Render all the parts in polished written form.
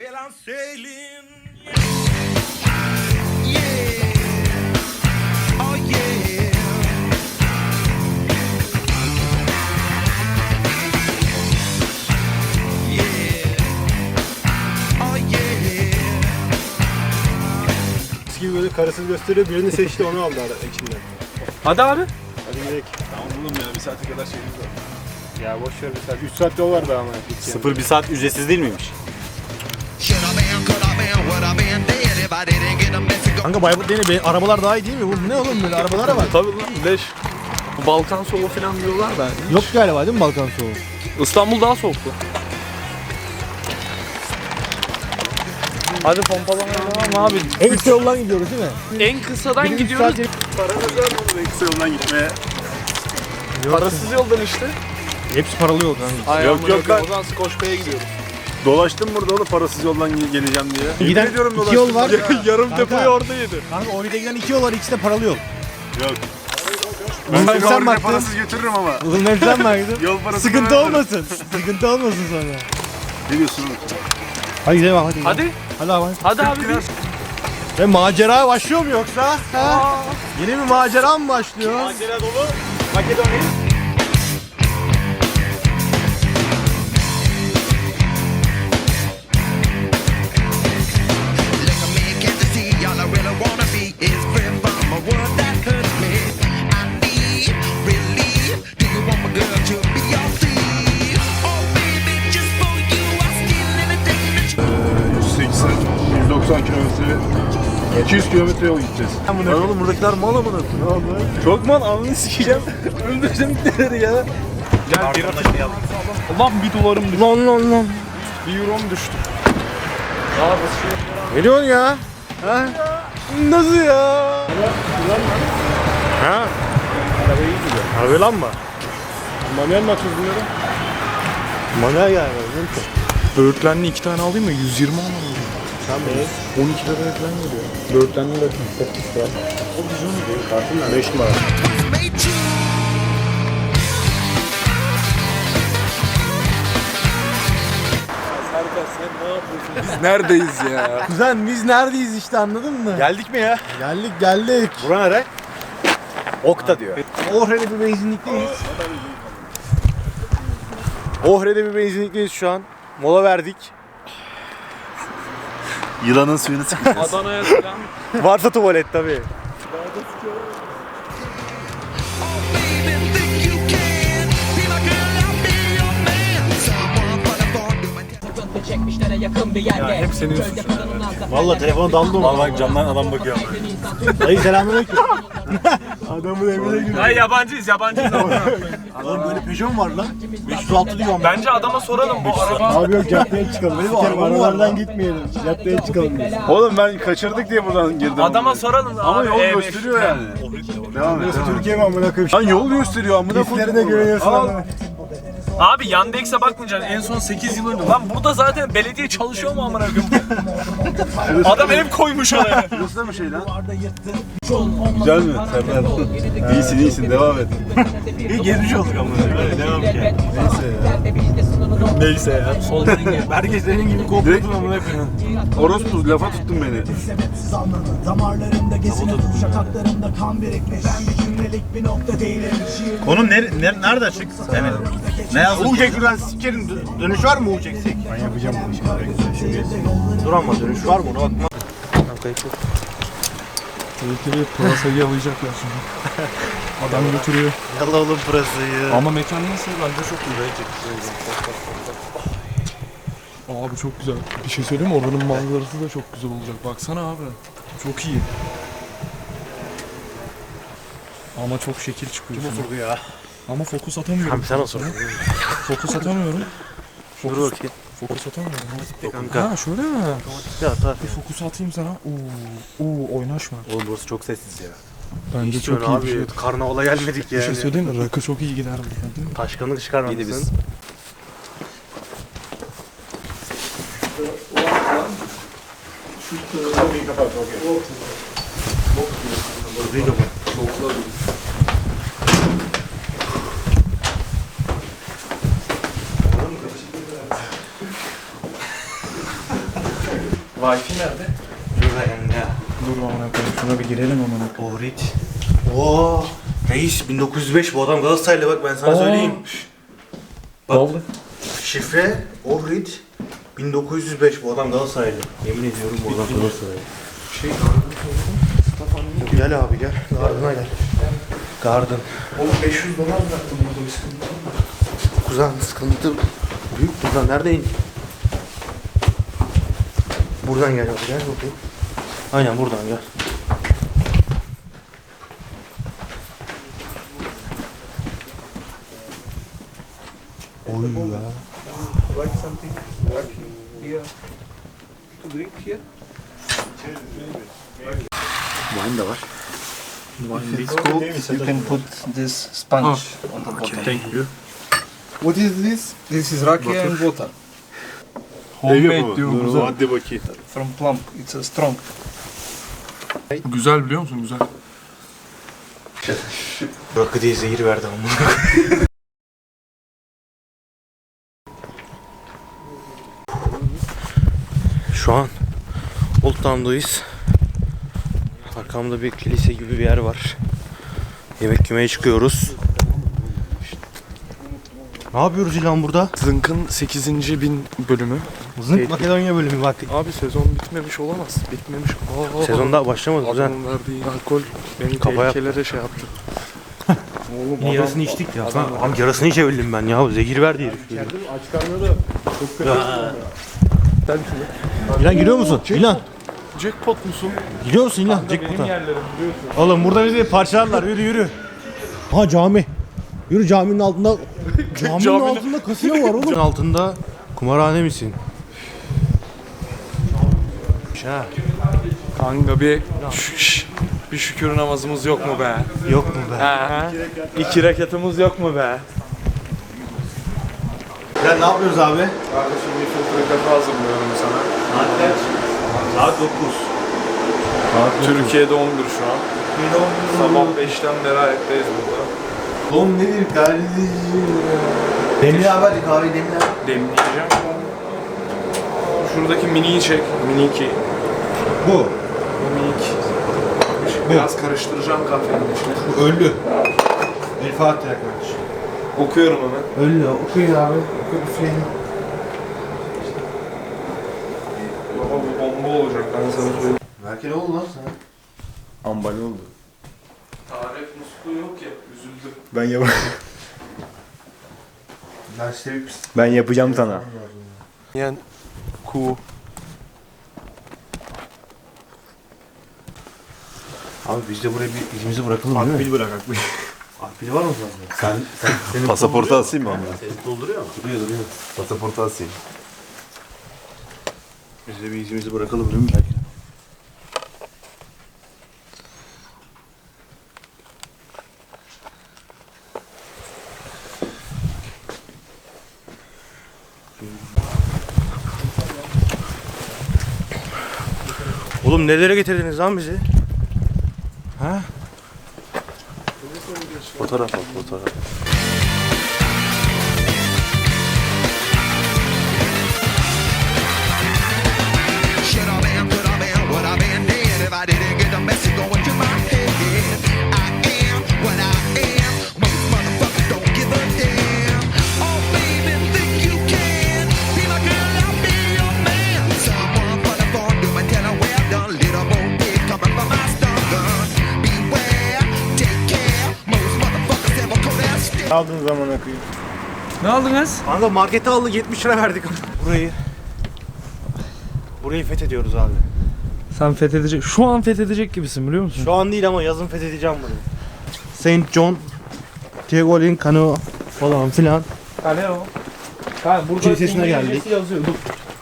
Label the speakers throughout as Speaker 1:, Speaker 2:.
Speaker 1: Well, I'm sailing. Oh yeah.
Speaker 2: Gibi böyle karısını gösteriyor, birini seçti, onu aldı içinden.
Speaker 3: Hadi abi.
Speaker 2: Hadi gidelim.
Speaker 4: Tamam oğlum ya, bir saate kadar şeyimiz var.
Speaker 2: Ya boş ver bir saat. 3 saat yol var daha ama.
Speaker 5: 0 bir saat ücretsiz değil miymiş?
Speaker 6: Kanka Bayburt değil, arabalar daha iyi değil mi? Bu ne oğlum böyle arabalara bak.
Speaker 3: Tabii lan leş. Balkan soğuğu falan diyorlar da.
Speaker 6: Yok galiba değil mi Balkan soğuğu?
Speaker 3: İstanbul daha soğuktu. Hadi pompalamaya devam abi.
Speaker 6: En kısa yoldan gidiyoruz değil mi?
Speaker 3: En kısadan
Speaker 6: Birinci
Speaker 3: gidiyoruz.
Speaker 6: saat-
Speaker 4: Paranız var mı oğlum kısa yoldan gitmeye?
Speaker 3: Parasız yoldan işte.
Speaker 6: Hepsi paralı yol kanka.
Speaker 3: Ay,
Speaker 4: Yok,
Speaker 3: amına
Speaker 4: yok
Speaker 3: koyayım,
Speaker 4: lan.
Speaker 3: O zaman Skoçya'ya gidiyoruz.
Speaker 4: Dolaştım burada oğlum parasız yoldan geleceğim diye.
Speaker 6: Giden
Speaker 4: Yemin ediyorum
Speaker 6: iki yol var.
Speaker 3: Yarım
Speaker 6: Kanka.
Speaker 3: depoyu orada yedi.
Speaker 6: Kanka oraya giden 2 yol var, ikisi de paralı yol.
Speaker 4: Yok.
Speaker 6: Oğlum
Speaker 4: Ben seni
Speaker 6: sen
Speaker 4: oraya
Speaker 6: baktın.
Speaker 4: parasız götürürüm ama.
Speaker 6: Oğlum hep sen baktın.
Speaker 4: Yol parası
Speaker 6: Sıkıntı olmasın. Sıkıntı olmasın sonra.
Speaker 4: Ne diyorsun oğlum?
Speaker 6: Hadi gidelim abi hadi.
Speaker 3: Hadi.
Speaker 6: Hadi abi.
Speaker 3: Hadi abi. bir.
Speaker 6: Ve macera başlıyor mu yoksa? Ha? Yeni bir macera mı başlıyor?
Speaker 5: Macera dolu Makedonya.
Speaker 4: ...180, 190 kilometre, 200 kilometre yol gideceğiz.
Speaker 3: Lan oğlum buradakiler mal amına.
Speaker 4: Ne oldu?
Speaker 3: Çok mal, anını sikeceğim. Öldüreceğim gideleri ya. Gel bir atışlayalım. Ulan bir dolarım düştü. Lan. Bir eurom düştü.
Speaker 6: Ne diyorsun ya? Ha? Nasıl ya? Ha?
Speaker 2: Arabayı iyi gidiyor.
Speaker 6: Harbi lan mı?
Speaker 2: Manuel mi atıyoruz bunları?
Speaker 6: Manuel yani.
Speaker 3: Böğürtlenli 2 tane alayım mı? 120 alalım.
Speaker 2: Sen beğen.
Speaker 3: 12 liraya falan geliyor. Böğürtlenli de 8 lira.
Speaker 2: O bizim mi değil? Kartın 5 numara.
Speaker 3: Biz neredeyiz ya?
Speaker 6: Kuzen biz neredeyiz işte, anladın mı?
Speaker 5: Geldik mi ya?
Speaker 6: Geldik.
Speaker 5: Bura nere? Okta diyor.
Speaker 6: Ohre'de bir benzinlikteyiz. Ohre'de bir benzinlikteyiz şu an. Mola verdik.
Speaker 4: Yılanın suyunu sıkacağız.
Speaker 3: Adana'ya selam.
Speaker 6: Varsa tuvalet tabii.
Speaker 7: Çekmişlere yakın bir yerde.
Speaker 3: Hep senin suçun.
Speaker 2: Valla telefona daldı mı?
Speaker 5: Vallahi camdan adam bakıyor.
Speaker 2: Dayı selamünaleyküm. Adamın evine giriyor.
Speaker 3: Hayır yabancıyız.
Speaker 2: Oğlum böyle Peugeot mu var lan? 506 diyor ama.
Speaker 3: Bence adama soralım bu araba.
Speaker 2: Abi yok caddeye çıkalım. Benim arabalardan gitmeyelim. Caddeye çıkalım biz.
Speaker 4: Oğlum ben kaçırdık diye buradan girdim.
Speaker 3: Adama soralım.
Speaker 4: Ama
Speaker 3: abi,
Speaker 4: yol
Speaker 3: E5.
Speaker 4: gösteriyor yani. Devam et.
Speaker 2: Türkiye mi amına koyayım?
Speaker 4: Lan yol gösteriyor amına koyayım.
Speaker 2: Hislerine güveniyorsun
Speaker 4: Al.
Speaker 2: ama.
Speaker 3: Abi Yandex'e bakmayacaksın. En son 8 yıl önce. Lan burada zaten belediye çalışıyor mu amına koyayım? Adam ev koymuş oraya.
Speaker 4: Burası da bir şey lan. Güzel mi? Serdar. İyisin devam et.
Speaker 5: İyi gezmiş olduk ama. Devam ki.
Speaker 3: Neyse ya. Soldan gel.
Speaker 5: Herkes senin gibi
Speaker 4: Direkt
Speaker 5: kopyordun amına koyayım.
Speaker 4: orospu lafa tuttun beni.
Speaker 8: Sebepsiz anladın. Damarlarımda gezinir, şakaklarımda kan birikmiş. Ben bir cümlelik bir nokta değilim. Şiir
Speaker 5: Konu nerede açık? Yani ne yazdın? Uğucek buradan sikerim. Dönüş var mı Uğucek'sek?
Speaker 2: Ben yapacağım bunu şimdi.
Speaker 5: Dur ama dönüş var mı ona bakma.
Speaker 3: Tehlikeli pırasayı yalayacaklar şimdi. Adam götürüyor.
Speaker 5: Yalla oğlum pırasayı.
Speaker 3: Ama mekan nasıl? Bence çok iyi. Abi çok güzel. Bir şey söyleyeyim mi? Oranın manzarası da çok güzel olacak. Baksana abi. Çok iyi. Ama çok şekil çıkıyor.
Speaker 5: Kim oturdu ya?
Speaker 3: Ama fokus atamıyorum.
Speaker 5: Abi sen oturdun.
Speaker 3: Fokus atamıyorum.
Speaker 5: Dur bakayım.
Speaker 3: Fokus atamıyorum.
Speaker 5: Kanka.
Speaker 3: Ha şöyle mi?
Speaker 5: Ya atar.
Speaker 3: Bir fokus atayım sana. Oo oynaşma.
Speaker 5: Oğlum burası çok sessiz ya.
Speaker 3: Bence
Speaker 5: Hiç
Speaker 3: çok
Speaker 5: öyle
Speaker 3: iyi
Speaker 5: abi.
Speaker 3: bir şey.
Speaker 5: Karnavala gelmedik
Speaker 3: Bir
Speaker 5: yani.
Speaker 3: şey söyleyeyim mi? Rakı çok iyi gider burada değil mi?
Speaker 5: Taşkanlık çıkarmamışsın.
Speaker 3: Wi-Fi nerede?
Speaker 5: Şurada yanında ya.
Speaker 3: Dur amına koyayım. Şuna bir girelim amına koyayım.
Speaker 5: Ohrid. Oo. Reis 1905 bu adam Galatasaraylı bak ben sana söyleyeyim.
Speaker 3: Vallahi.
Speaker 5: Şifre Ohrid 1905 bu adam Galatasaraylı. Yemin ediyorum bu adam Galatasaraylı. Gel abi gel. Gardına gel. Garden.
Speaker 3: Oğlum $500 bıraktım burada bir sıkıntı var mı?
Speaker 5: Kuzen sıkıntı büyük buradan nerede in? Buradan gel abi gel bakayım. Aynen buradan gel. Oy ya. Wine de var.
Speaker 3: You can put this sponge on the bottom.
Speaker 6: Thank you.
Speaker 3: What is this? This is rakia and water.
Speaker 6: Ev
Speaker 3: Homemade
Speaker 6: yapımı.
Speaker 3: diyor
Speaker 6: Dur,
Speaker 3: burada.
Speaker 6: hadi bakayım.
Speaker 3: From plum. It's a strong.
Speaker 6: Güzel biliyor musun? Güzel.
Speaker 5: Rakı diye zehir verdi ama. Şu an Old Town'dayız. Arkamda bir kilise gibi bir yer var. Yemek yemeye çıkıyoruz. Ne yapıyoruz İlhan burada?
Speaker 3: Zınk'ın 8. bin bölümü.
Speaker 5: Zınk Makedonya bölümü bak.
Speaker 3: Abi sezon bitmemiş olamaz. Bitmemiş.
Speaker 5: Sezon daha başlamadı güzel.
Speaker 3: Adamın verdiği alkol beni
Speaker 5: Kafa yaptı.
Speaker 3: tehlikelere şey yaptı. Oğlum
Speaker 5: Yine yarısını içtik ya. Abi yarısını içebildim ben ya. Zehir verdi herif.
Speaker 2: Aç karnına da çok kötü.
Speaker 6: İlan gidiyor musun? İlan.
Speaker 3: jackpot musun?
Speaker 6: Gidiyor musun İlan?
Speaker 3: Benim yerlerim biliyorsun.
Speaker 6: Oğlum burada bizi parçalarlar. Yürü yürü. Ha cami. Yürü caminin altında. Caminin altında kasino var oğlum.
Speaker 5: Altında kumarhane misin? Ha.
Speaker 3: Kanka bir bir şükür namazımız yok mu be?
Speaker 5: Yok mu be?
Speaker 3: He. 2 rekatımız yok mu be?
Speaker 5: Ya ne yapıyoruz abi?
Speaker 3: Kardeşim bir filtre kafe hazırlıyorum sana.
Speaker 5: Saat kaç? Saat 9.
Speaker 3: Türkiye'de 11 şu an. Sabah 5'ten beri ayaktayiz burada.
Speaker 5: Oğlum nedir kardeşim? Demli abi hadi kahveyi demli abi.
Speaker 3: Demleyeceğim. Şuradaki miniyi çek. Mini 2.
Speaker 5: Bu.
Speaker 3: Bu minik. Biraz karıştıracağım kahvenin içine.
Speaker 5: Bu ölü. El Fatiha kardeşim.
Speaker 3: Okuyorum hemen.
Speaker 5: Ölü. Okuyun abi. Okuyun üfleyin.
Speaker 3: Baba bu bomba olacak ben sana söyleyeyim.
Speaker 5: Belki ne oldu lan sana?
Speaker 2: Ambal oldu.
Speaker 3: Tarif musluğu yok ya. Üzüldüm.
Speaker 2: Ben yap
Speaker 5: Ben sevip
Speaker 2: ben yapacağım sana.
Speaker 3: Yani ku.
Speaker 5: Abi biz de buraya bir izimizi bırakalım değil mi?
Speaker 2: Akbil bırak akbil.
Speaker 5: Akbil var mı sende? Senin
Speaker 4: Pasaportu asayım mı onları?
Speaker 5: Senin dolduruyor mu? Duruyor.
Speaker 4: Pasaportu asayım.
Speaker 5: Biz de bir izimizi bırakalım değil mi? Oğlum nelere getirdiniz lan bizi? Ha?
Speaker 4: Fotoğraf al, fotoğraf.
Speaker 1: Should I been, could I been, would I been dead if I didn't get the message going to my head? I am what I am. Most motherfuckers don't give a damn. Oh baby, think you can be my girl, I'll be your man. Someone put a phone to my tell her well done. Little more big coming from my stun gun. Beware, take care. Most motherfuckers ever call that stick.
Speaker 2: Aldığın zaman akıyı.
Speaker 3: Ne aldınız?
Speaker 5: Kanka markete aldık 70 lira verdik. Burayı fethediyoruz abi.
Speaker 3: Sen fethedecek. Şu an fethedecek gibisin biliyor musun?
Speaker 5: Şu an değil ama yazın fethedeceğim burayı. Saint John, Teogolin Kano falan filan.
Speaker 3: Kale o. Ha burada
Speaker 5: Kilisesine
Speaker 3: İngilizcesi
Speaker 5: geldik.
Speaker 3: yazıyor. Dur.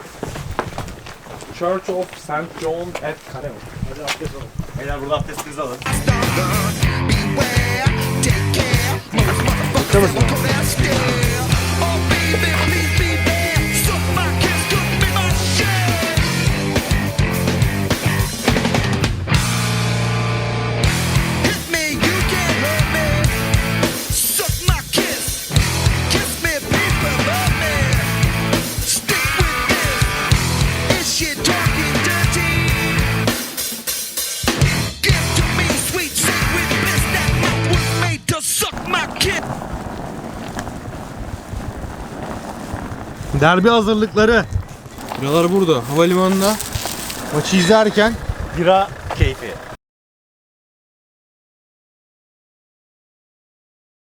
Speaker 3: Church of St. John at Kaleo.
Speaker 5: Beyler burada abdestinizi alın.
Speaker 1: Beware, take care. Most motherfuckers ever call that stick. Oh baby, please be there. Suck my kiss, cook me my shit. Hit me, you can't hurt me. Suck my kiss. Kiss me, people, love me. Stick with this. Is she talking dirty?
Speaker 6: Derbi hazırlıkları. Biralar burada havalimanında maçı izlerken
Speaker 5: Bira keyfi.